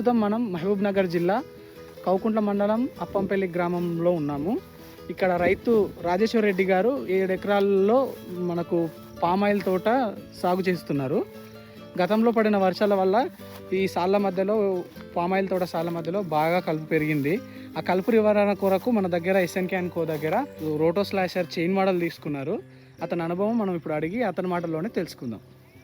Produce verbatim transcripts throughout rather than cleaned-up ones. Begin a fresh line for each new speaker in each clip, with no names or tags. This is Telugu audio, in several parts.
ప్రస్తుతం మనం మహబూబ్ నగర్ జిల్లా కౌకుంట్ల మండలం అప్పంపల్లి గ్రామంలో ఉన్నాము. ఇక్కడ రైతు రాజేశ్వర్ రెడ్డి గారు ఏడు ఎకరాల్లో మనకు పామాయిల్ తోట సాగు చేస్తున్నారు. గతంలో పడిన వర్షాల వల్ల ఈ సాళ్ళ మధ్యలో పామాయిల్ తోట సాళ్ళ మధ్యలో బాగా కలుపు పెరిగింది. ఆ కలుపు నివారణ కొరకు మన దగ్గర ఎస్ఎన్కే అండ్ కో దగ్గర రోటో స్లాషర్ చైన్ మోడల్ తీసుకున్నారు. అతని అనుభవం మనం ఇప్పుడు అడిగి అతని మాటల్లోనే తెలుసుకుందాం.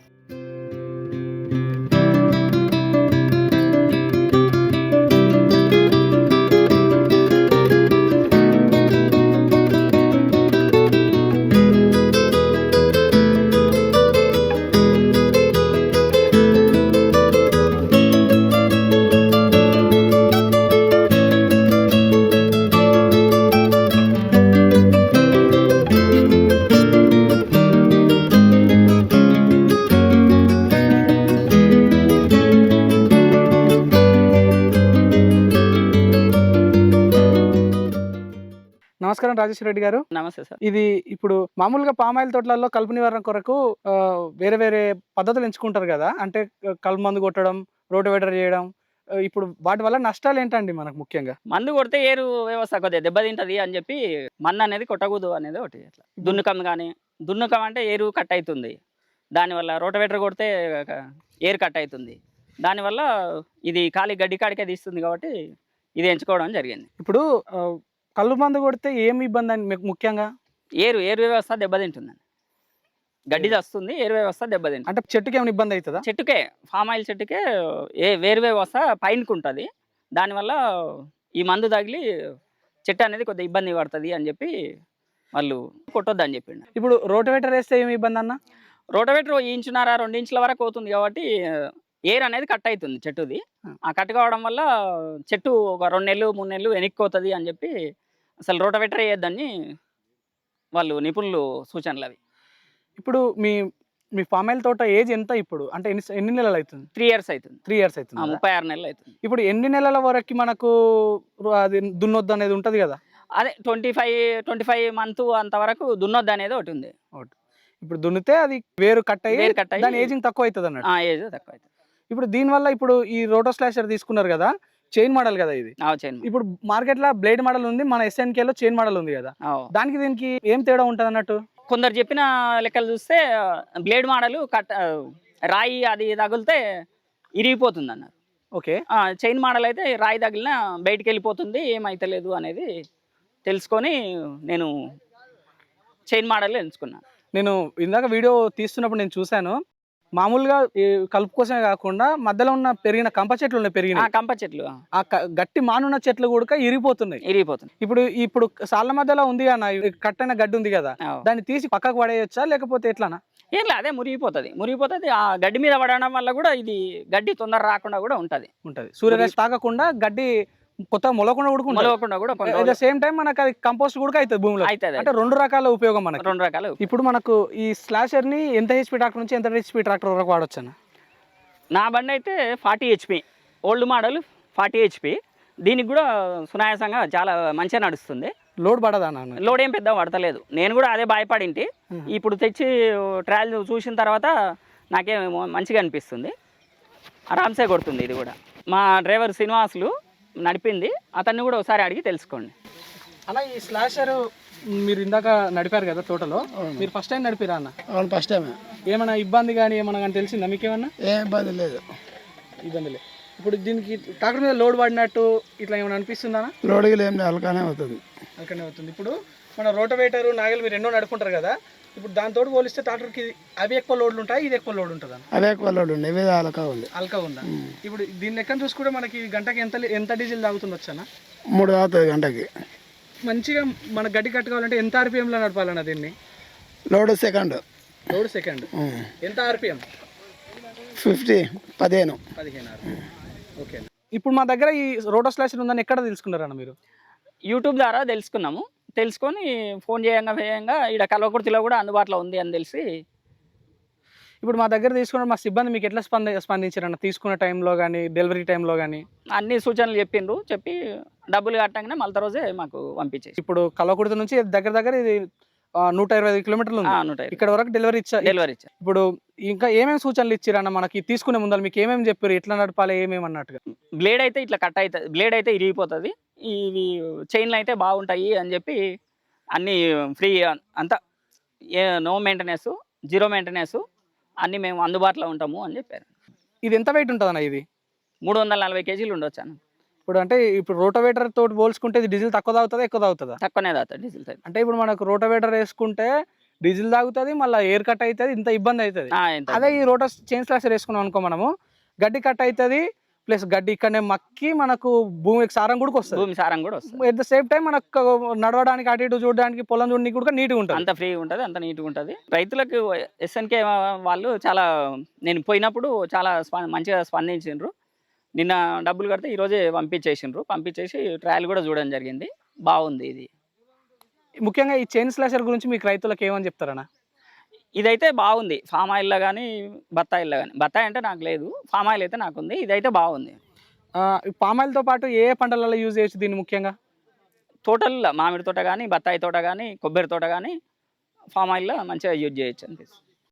నమస్కారం రాజేశ్వర రెడ్డి గారు.
నమస్తే సార్.
ఇది ఇప్పుడు మామూలుగా పామాయిల్ తోటలలో కలుపు నివారణ కొరకు వేరే వేరే పద్ధతులు ఎంచుకుంటారు కదా, అంటే కలుపు మందు కొట్టడం, రోటివేటర్ చేయడం. ఇప్పుడు వాటి వల్ల నష్టాలు ఏంటండి మనకు? ముఖ్యంగా
మందు కొడితే ఏరు వ్యవస్థ కొద్దిగా దెబ్బతింటది అని చెప్పి మన్ను అనేది కొట్టకూడదు అనేది ఒకటి. అట్లా దున్నుకం కానీ దున్నుకం అంటే ఏరు కట్ అవుతుంది, దానివల్ల రోటివేటర్ కొడితే ఏరు కట్ అవుతుంది, దానివల్ల ఇది ఖాళీ గడ్డి కాడికే తీస్తుంది. కాబట్టి ఇది ఎంచుకోవడం జరిగింది.
ఇప్పుడు కళ్ళు మందు కొడితే ఏమి ఇబ్బంది అని మీకు? ముఖ్యంగా
ఏరు ఏరు వ్యవస్థ దెబ్బతింటుందండి, గడ్డి వస్తుంది, ఏరు వ్యవస్థ దెబ్బతింటుంది.
అంటే చెట్టుకి ఏమైనా ఇబ్బంది అవుతుందా?
చెట్టుకే, ఫామ్ ఆయిల్ చెట్టుకే ఏ వేరు వ్యవస్థ పైనకు ఉంటుంది, దానివల్ల ఈ మందు తగిలి చెట్టు అనేది కొద్దిగా ఇబ్బంది పడుతుంది అని చెప్పి వాళ్ళు కొట్టొద్దు అని చెప్పిండు.
ఇప్పుడు రోటివేటర్ వేస్తే ఏమి ఇబ్బంది అన్న?
రోటివేటర్ ఇంచున్నర రెండు ఇంచుల వరకు అవుతుంది కాబట్టి ఎయిర్ అనేది కట్ అవుతుంది చెట్టుది. ఆ కట్ కావడం వల్ల చెట్టు ఒక రెండు నెలలు మూడు నెలలు వెనక్కిపోతుంది అని చెప్పి అసలు రోటివేటర్ వేయొద్దని వాళ్ళు నిపుణులు సూచనలు అవి.
ఇప్పుడు మీ మీ పామాయిల్ తోట ఏజ్ ఎంత ఇప్పుడు? అంటే ఎన్ని ఎన్ని నెలలు అవుతుంది?
త్రీ ఇయర్స్ అవుతుంది.
త్రీ ఇయర్స్ అవుతుంది,
ముప్పై ఆరు నెలలు అవుతుంది.
ఇప్పుడు ఎన్ని నెలల వరకు మనకు అది దున్నొద్దు అనేది ఉంటుంది కదా?
అదే twenty five twenty five month అంతవరకు దున్నొద్దు అనేది ఒకటి ఉంది.
ఇప్పుడు దున్నితే అది వేరు కట్ అయ్యి
వేరు కట్ అయ్యి
దాని ఏజింగ్ తక్కువ అవుతుంది అన్నట్టు.
ఏజ్ తక్కువ అవుతుంది.
ఇప్పుడు దీనివల్ల ఇప్పుడు ఈ రోటో స్లాషర్ తీసుకున్నారు కదా, చైన్ మోడల్ కదా ఇది. ఇప్పుడు మార్కెట్ లో బ్లేడ్ మోడల్ ఉంది, మన ఎస్ఎన్కే లో చైన్ మోడల్ ఉంది కదా, దానికి దీనికి ఏం తేడా ఉంటుంది అన్నట్టు?
కొందరు చెప్పిన లెక్కలు చూస్తే బ్లేడ్ మోడల్ కట్ రాయి అది తగిలితే ఇరిగిపోతుంది అన్నారు.
ఓకే.
చైన్ మోడల్ అయితే రాయి తగిలిన బయటికి వెళ్ళిపోతుంది, ఏమైతలేదు అనేది తెలుసుకొని నేను చైన్ మోడల్ ఎంచుకున్నాను.
నేను ఇందాక వీడియో తీస్తున్నప్పుడు నేను చూశాను, మామూలుగా కలుపు కోసమే కాకుండా మధ్యలో ఉన్న పెరిగిన కంప చెట్లు ఉన్నాయి, పెరిగిన
కంప చెట్లు, ఆ
గట్టి మానున్న చెట్లు కూడా ఇరిగిపోతున్నాయి
ఇరిగిపోతుంది
ఇప్పుడు ఇప్పుడు సాళ్ళ మధ్యలో ఉంది కదా, కట్టైన గడ్డి ఉంది కదా, దాన్ని తీసి పక్కకు పడేయచ్చా లేకపోతే ఎట్లానా?
ఏం లేదు, అదే మురిగిపోతుంది మురిగిపోతుంది ఆ గడ్డి మీద పడడం వల్ల కూడా ఇది గడ్డి తొందర రాకుండా కూడా ఉంటది
ఉంటది సూర్యరశ్మి తాగకుండా గడ్డి కొత్త మొలకుండా
మొలకుండా కూడా
సేమ్ టైం మనకు అది కంపోస్ట్ కూడా అవుతుంది భూమిలో. అంటే రెండు రకాల ఉపయోగం మనకు,
రెండు రకాలు.
ఇప్పుడు మనకు ఈ స్లాషర్ ని ఎంత హెచ్పి ట్రాక్టర్ నుంచి ఎంత హెచ్పి ట్రాక్టర్ వరకు వాడచ్చు అన్న?
నా బండి అయితే forty HP old model forty HP, దీనికి కూడా సునాయాసంగా చాలా మంచిగా నడుస్తుంది.
లోడ్ పడదా?
లోడ్ ఏం పెద్ద పడతలేదు, నేను కూడా అదే భయపడింటి. ఇప్పుడు తెచ్చి ట్రయల్ చూసిన తర్వాత నాకేం మంచిగా అనిపిస్తుంది, ఆరామ్సే కొడుతుంది. ఇది కూడా మా డ్రైవర్ శ్రీనివాసులు నడిపింది, అతన్ని కూడా ఒకసారి అడిగి తెలుసుకోండి.
అలా ఈ స్లాషర్ మీరు ఇందాక నడిపారు కదా తోటలో, మీరు ఫస్ట్ టైం నడిపిరా అన్న?
అవును, ఫస్ట్ టైం.
ఏమైనా ఇబ్బంది కానీ ఏమన్నా కానీ తెలిసిందా మీకేమన్నా?
ఏం ఇబ్బంది లేదు.
ఇబ్బంది లేదు. ఇప్పుడు దీనికి ట్రాక్టర్ మీద లోడ్ పడినట్టు ఇట్లా ఏమైనా అనిపిస్తుందా?
లోడ్కి ఏం అలకానే అవుతుంది,
అలకానే అవుతుంది. ఇప్పుడు మన రోటవేటర్ నాగలు మీరు ఎన్నో నడుపుకుంటారు కదా, ఇప్పుడు దాంతో పోలిస్తే ట్రాక్టర్కి అవి ఎక్కువ లోడ్లు ఉంటాయి, ఇది ఎక్కువ లోడ్ ఉంటుందా?
అవి ఎక్కువ లోడ్ ఉంది, ఇవి అలకా ఉంది.
అలకా ఉందా? ఇప్పుడు దీని లెక్క చూసుకుంటే మనకి గంటకి ఎంత ఎంత డీజిల్ తాగుతుంది వచ్చానా?
మూడు తాగుతుంది గంటకి.
మంచిగా మన గడ్డి కట్టుకోవాలంటే ఎంత ఆర్పిఎంలో నడపాలన్నా దీన్ని?
Load second.
లోడ్ సెకండ్ ఎంత ఆర్పిఎం?
ఫిఫ్టీ పదిహేను
పదిహేను ఆర్పిఎం. ఓకే. ఇప్పుడు మా దగ్గర ఈ రోటో స్లాషర్ ఉందని ఎక్కడ తెలుసుకున్నారన్న మీరు?
యూట్యూబ్ ద్వారా తెలుసుకున్నాము, తెలుసుకొని ఫోన్ చేయంగా వేయంగా ఇక్కడ కల్వకుర్తిలో కూడా అందుబాటులో ఉంది అని తెలిసి
ఇప్పుడు మా దగ్గర తీసుకున్న మా సిబ్బంది మీకు ఎట్లా స్పంద స్పందించారన్న తీసుకున్న టైంలో కానీ డెలివరీ టైంలో కానీ?
అన్ని సూచనలు చెప్పిండ్రు, చెప్పి డబ్బులు కట్టగానే మళ్ళీ రోజే మాకు పంపించేసి.
ఇప్పుడు కల్వకుర్తి నుంచి దగ్గర దగ్గర ఇది ఆ, నూట ఇరవై ఐదు కిలోమీటర్లు ఉంది.
నూట
ఇక్కడ వరకు డెలివరీ ఇచ్చా
డెలివరీ ఇచ్చా.
ఇప్పుడు ఇంకా ఏమేమి సూచనలు ఇచ్చిరన్న మనకి తీసుకునే ముందర మీకు ఏమేమి చెప్పారు, ఎట్లా నడపాలి ఏమేమి అన్నట్టుగా?
బ్లేడ్ అయితే ఇట్లా కట్ అవుతుంది, బ్లేడ్ అయితే ఇరిగిపోతుంది, ఇవి చైన్లు అయితే బాగుంటాయి అని చెప్పి అన్నీ ఫ్రీ అంతా, ఏ నో మెయింటెనెన్స్, జీరో మెయింటెనెన్స్, అన్నీ మేము అందుబాటులో ఉంటాము అని చెప్పారు.
ఇది ఎంత వెయిట్ ఉంటుంది అన్న? ఇది
మూడు వందల నలభై కేజీలు ఉండొచ్చు అన్న.
ఇప్పుడు అంటే ఇప్పుడు రోటోవేటర్ తోటి పోల్చుకుంటే ఇది డీజిల్ తక్కువ తాగుతుందా ఎక్కువ తాగుతుందా?
తక్కువనే తాగుతుంది డీజిల్ అయితే.
అంటే ఇప్పుడు మనకు రోటోవేటర్ వేసుకుంటే డీజిల్ తాగుతుంది, మళ్ళీ ఎయిర్ కట్ అవుతుంది, ఇంత ఇబ్బంది అవుతుంది.
ఆ, ఎంత
అదే ఈ రోటర్ చైన్ స్లాషర్ వేసుకున్నాం అనుకో, మనము గడ్డి కట్ అవుతుంది, ప్లస్ గడ్డి ఇక్కడనే మక్కి మనకు భూమికి సారం కూడా వస్తుంది.
భూమి సారం కూడా వస్తుంది.
ఎట్ ద సేమ్ టైం మనకు నడవడానికి అటు ఇటు చూడడానికి పొలం చూడడానికి కూడా నీట్గా ఉంటుంది.
అంత ఫ్రీగా ఉంటుంది, అంత నీట్గా ఉంటుంది. రైతులకు ఎస్ఎన్కే వాళ్ళు చాలా, నేను పోయినప్పుడు చాలా స్ప- మంచిగా స్పందించిండ్రు. నిన్న డబ్బులు కడితే ఈరోజే పంపించేసిండ్రు, పంపించేసి ట్రయల్ కూడా చూడడం జరిగింది. బాగుంది ఇది.
ముఖ్యంగా ఈ చైన్ స్లాషర్ గురించి మీకు రైతులకు ఏమని చెప్తారన్నా?
ఇదైతే బాగుంది. ఫామ్ ఆయిల్లో కానీ బత్తాయిల్లో కానీ, బత్తాయి అంటే నాకు లేదు, ఫామ్ ఆయిల్ అయితే నాకు ఉంది. ఇదైతే బాగుంది.
పామాయిల్తో పాటు ఏ ఏ పంటలలో యూజ్ చేయొచ్చు దీన్ని? ముఖ్యంగా
టోటల్ మామిడి తోట కానీ, బత్తాయి తోట కానీ, కొబ్బరి తోట కానీ ఫామ్ ఆయిల్లో మంచిగా యూజ్ చేయొచ్చు అనిపిస్తుంది.